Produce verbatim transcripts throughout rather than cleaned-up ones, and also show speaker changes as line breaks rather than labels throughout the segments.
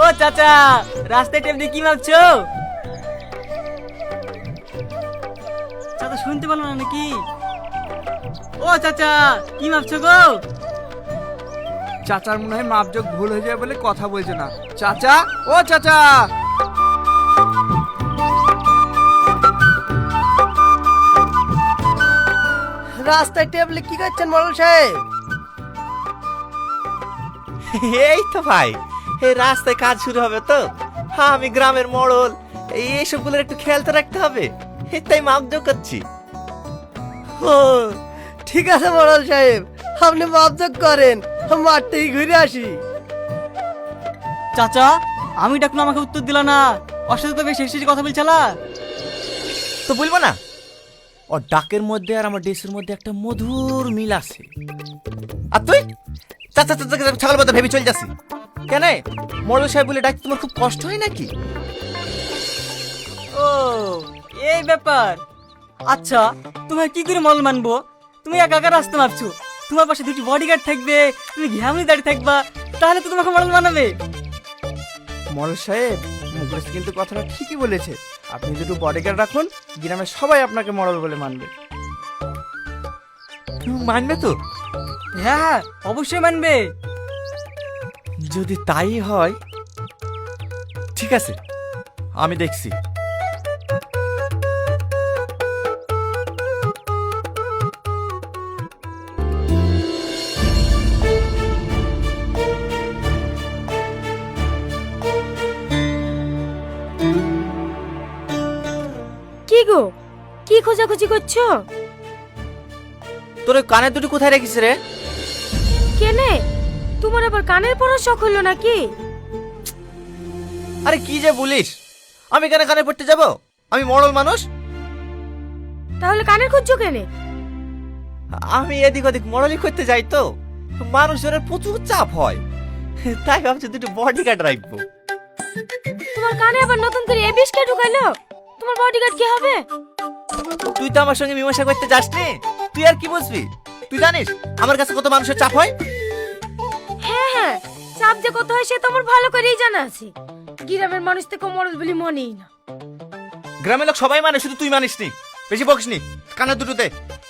ও চাচা, রাস্তায় টেবিলে কি ভাবছো? চাচা শুনতে পারলো না নাকি? ও চাচা, কি ভাবছো গো?
চাচার মনে হয় মাপজোক ভুল হয়ে যায় বলে কথা বলছে না। চাচা, ও চাচা,
রাস্তায় টেবিলে কি করছেন মরল সাহেব?
এই তো ভাই, এই রাস্তায় কাজ শুরু হবে তো। হ্যাঁ, আমি গ্রামের মোড়ল, এইসবগুলোর একটু খেয়াল তো রাখতে হবে, তাই মাপজোক করছি।
ও ঠিক আছে মরল সাহেব, আপনি মাপজোক করেন, মাঠ থেকে ঘুরে আসি।
চাচা, আমি ডাকুন আমাকে উত্তর দিলা না, ওর সাথে তো বেশ হেসে কথা বলছিলা।
তো বলবো না, ওর ডাকের মধ্যে আর আমার ড্রেসের মধ্যে একটা মধুর মিল আছে। আর তুই চাচা চাচা ছাগল কথা ভেবে চলে যাচ্ছি কেন? মোড়ল সাহেব বলে ডাকতে তোমার খুব কষ্ট হয় নাকি?
ও এই ব্যাপার। আচ্ছা, তোমার কি করে মল মানবো? তুমি একা একা রাস্তা মাপছো, তোমার পাশে দুটি বডিগার্ড থাকবে, তুমি ঘামলি দাঁড়িয়ে থাকবা, তাহলে তো তোমাকে মডেল বানাবে।
মরল সাহেব মুখলেশ কিন্তু কথাটা ঠিকই বলেছে। আপনি দুটো বডিগার্ড রাখুন, গ্রামের সবাই আপনাকে মরল বলে মানবে।
তুমি মানবে তো?
হ্যাঁ হ্যাঁ, অবশ্যই মানবে।
যদি তাই হয় ঠিক আছে, আমি দেখছি।
কি গো, কি খোঁজাখুঁজি করছো?
তোর ওই কানের দুটো কোথায় রেখিস রে?
কেনে, তোমার আবার কানের পড়ার শখ হলো নাকি?
আরে কি যে বলিস, আমি কেন কানে পড়তে যাব? আমি মরল মানুষ।
তাহলে কানের খুঁজছো কেনে?
আমি এদিক ওদিক মরলি করতে যাই তো, মানুষজনের প্রচুর চাপ হয়, তাই ভাবছি দুটো বডিগার্ড রাখবো।
তোমার কানে আবার নতুন করে এবিস কে ঢুকাইলো? তোমার বডিগার্ড কি হবে?
তুই তো আমার সঙ্গে মীমাংসা করতে যাসনি, তুই আর কি বুঝবি? তুই জানিস আমার কাছে কত মানুষের চাপ হয়?
হ্যাঁ হ্যাঁ, চাপ যে কত হয় সে তো আমার ভালো করেই জানা আছে। গ্রামের মানুষ থেকে মরল বলি মনেই না।
গ্রামের লোক সবাই মানে, শুধু তুই মানিস নি। বেশি বকিস নি, কানের দুটোতে।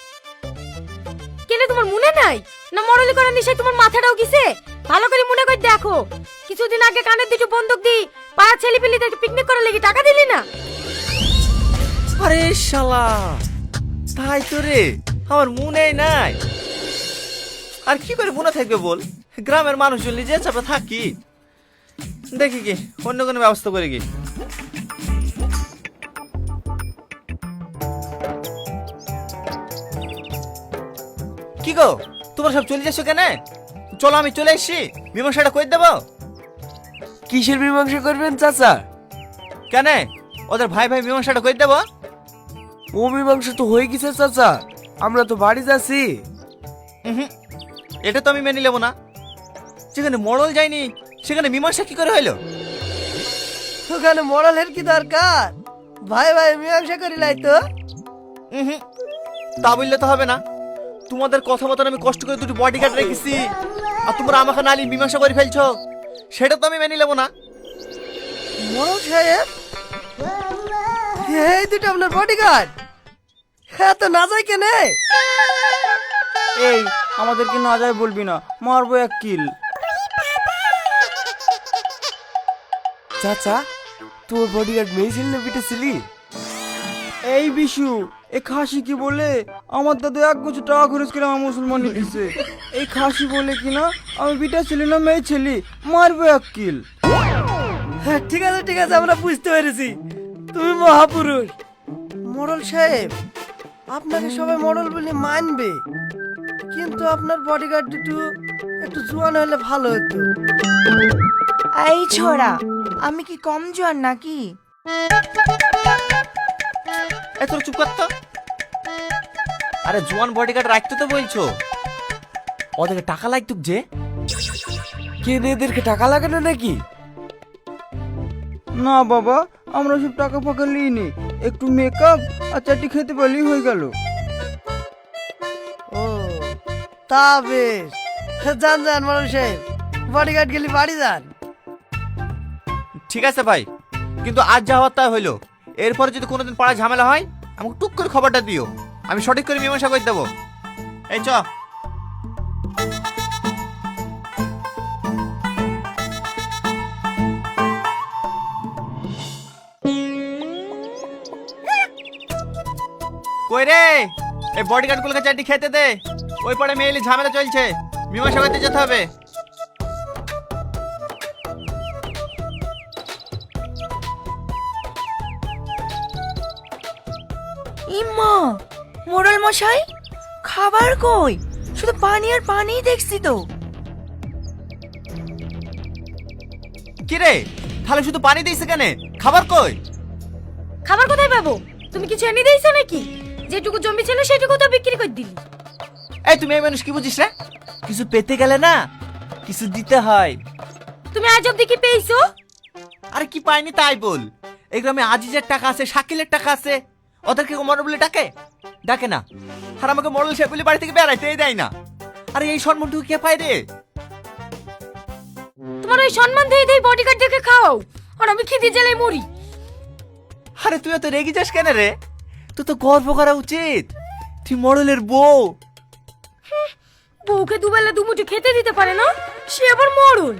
কেনে তোমার মনে নাই না মরলি করার নেশায় তোমার মাথাটাও গিছে? ভালো করে মনে করে দেখো, কিছুদিন আগে কানের দুটো বন্দুক দি পাড়া ছেলে পেলিদেরকে পিকনিক করার লেগে টাকা দিলি না?
আরে শালা, তাই তো রে, আমার মনেই নাই। আর কি করে মনে থাকবে বল, গ্রামের মানুষজন নিজে চাপে থাকি। দেখি কি অন্য কোনো ব্যবস্থা করে কি। কি গো, তোমরা সব চলে যাচ্ছ কেন? চলো আমি চলে এসছি, মীমাংসাটা করে দেবো।
কিসের মীমাংসা করবেন চাচা?
কেন, ওদের ভাই ভাই মীমাংসাটা করে দেবো।
ও মীমাংসা তো হয়ে গেছে চাচা, আমরা তো বাড়ি যাচ্ছি।
হুম, এটা তো আমি মেনে নেবো না। যেখানে মরল যায়নি সেখানে মীমাংসা কি করে হইলো?
ওখানে মরলের কি দরকার? ভাই ভাই মীমাংসা করি লাই তো।
হুম, তা বললে তো হবে না। তোমাদের কথা মতন আমি কষ্ট করে দুটো বডিগার্ড রেখেছি, আর তোমরা আমাকে নালি মীমাংসা করে ফেলছো, সেটা তো আমি মেনে নেবো না।
মরল সাহেব, এই দুটো আপনার বডিগার্ড? হ্যাঁ তো না যায় কেনে?
এই আমাদেরকে না যায় বলবি না, মারবো এক কিল।
চাচা, তোর বডিগার্ড মেয়েছিল না পিটেছিলি?
এই বিশু, এ খাসি কি বলে আমার দাদু এক বছর টাকা খরচ করে আমার মুসলমান দিচ্ছে। এই খাসি বলে কিনা আমি বিটা ছিলি না মেয়ে ছিলি, মারবো এক কিল।
হ্যাঁ ঠিক আছে ঠিক আছে, আমরা বুঝতে পেরেছি, তুমি মহাপুরুষ। মরল সাহেব, আপনাকে সবাই মরল বলে মানবে, কিন্তু আপনার বডিগার্ড দুটো একটু জোয়ান হলে ভালো হতো।
এই ছোড়া, আমি কি কম জোয়ান নাকি?
এ তোর চুপ কর তো। আরে জোয়ান বডিগার্ড রাখতে তো বলছো, ওদেরকে টাকা লাগতো যে।
কেন এদেরকে টাকা লাগানো নাকি?
না বাবা, আমরা সব টাকা ফাঁকা লিইনি, একটু মেকআপ আর চাটি খেতে পারলেই হয়ে গেল।
ও তা বেশ, যান যান মরল সাহেব, বডিগার্ড গেলি বাড়ি যান।
ঠিক আছে ভাই, কিন্তু আজ যা হওয়ার তাই হইলো। এরপরে যদি কোনোদিন পাড়া ঝামেলা হয় আমাকে টুক করে খবরটা দিও, আমি সঠিক করে মীমাংসা করে দেবো। এই চ। কই রে, এই বডিগার্ড গুলোকে চারটি খেতে দে, ওই পরে মেয়েলি ঝামেলা চলছে, মীমাংসা করতে যেতে হবে।
ইম্মা, মোড়ল মশাই, খাবার কই? শুধু পানি আর পানিই দেখছি তো।
কি রে, তাহলে শুধু পানি দিয়েছে কেন, খাবার কই?
খাবার কোথায় পাবো? তুমি কিছু এনে দিয়েছো নাকি? যেটুকু জমি ছিল সেটুকু তো বিক্রি করে দিলি।
এই তুমি এই মানুষ কি বুঝিস রে? কিছু পেতে গেলে না কিছু দিতে হয়।
তুমি আজ অব্দি কি পেয়েছো?
আরে কি পাইনি তাই বল। এই গ্রামে আজিজের টাকা আছে, শাকিলের টাকা আছে, ওদেরকে মরল বলে ডাকে? ডাকে না। আর আমাকে মরল সে বলে বাড়ি থেকে বেড়াইতেই দেয় না। আরে এই সম্মানটুকু কে পায় রে?
তোমার ওই সম্মান দিয়ে দিয়ে বডিগার্ডদেরকে খাওয়াও, আর আমি খিদে জ্বালায় মরি।
আরে তুই তো রেগে যাস কেন রে? তুই তো গর্ব করা উচিত, তুই মরলের বউ।
বউকে দুবেলা দুমুঠো খেতে দিতে পারে না, সে আবার মরল।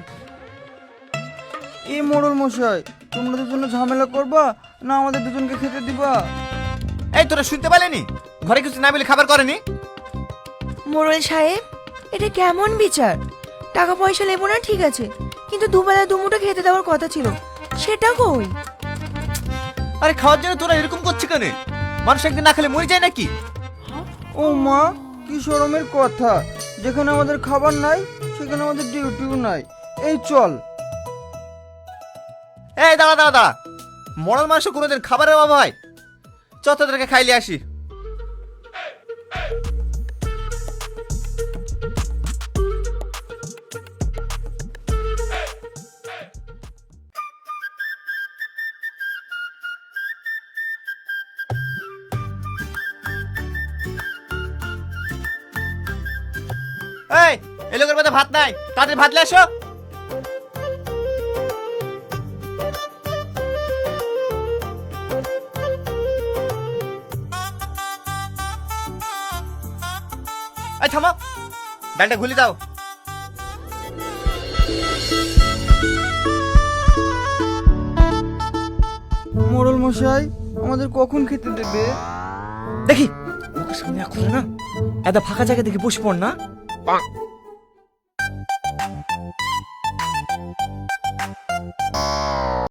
এই মোড়ল মশাই, তোমরা দুজন ঝামেলা করবা না আমাদের দুজনকে খেতে দিবা?
এই তোরা শুনতে পারেনি? ঘরে কিছু না বলে খাবার করেনি?
মোড়ল সাহেব, এটা কেমন বিচার? টাকা পয়সা নেবো না ঠিক আছে, কিন্তু দুবেলা দুমুঠো খেতে দেওয়ার কথা ছিল, সেটা কই?
আরে খাওয়ার জন্য তোরা এরকম করছিস কেন? মানুষ একদিন না খেলে মরে যায় নাকি?
ও মা, কি শরমের কথা! যেখানে আমাদের খাবার নাই সেখানে আমাদের ডিউটিও নাই। এই চল।
এই দাঁড়া দাঁড়া দাঁড়া, মরল মানুষ কোনোদিন খাবারের অভাব হয়? চ তোদেরকে খাইলে আসি। এই এই লোকের মধ্যে ভাত নাই, তাদের ভাত নিয়ে আসো। এই থামো, ডালটা ঘুলি দাও।
মোড়ল মশাই, আমাদের কখন খেতে দেবে?
দেখি ওকে সামনে এখন না, এত ফাঁকা জায়গা দেখে বসে পড় না।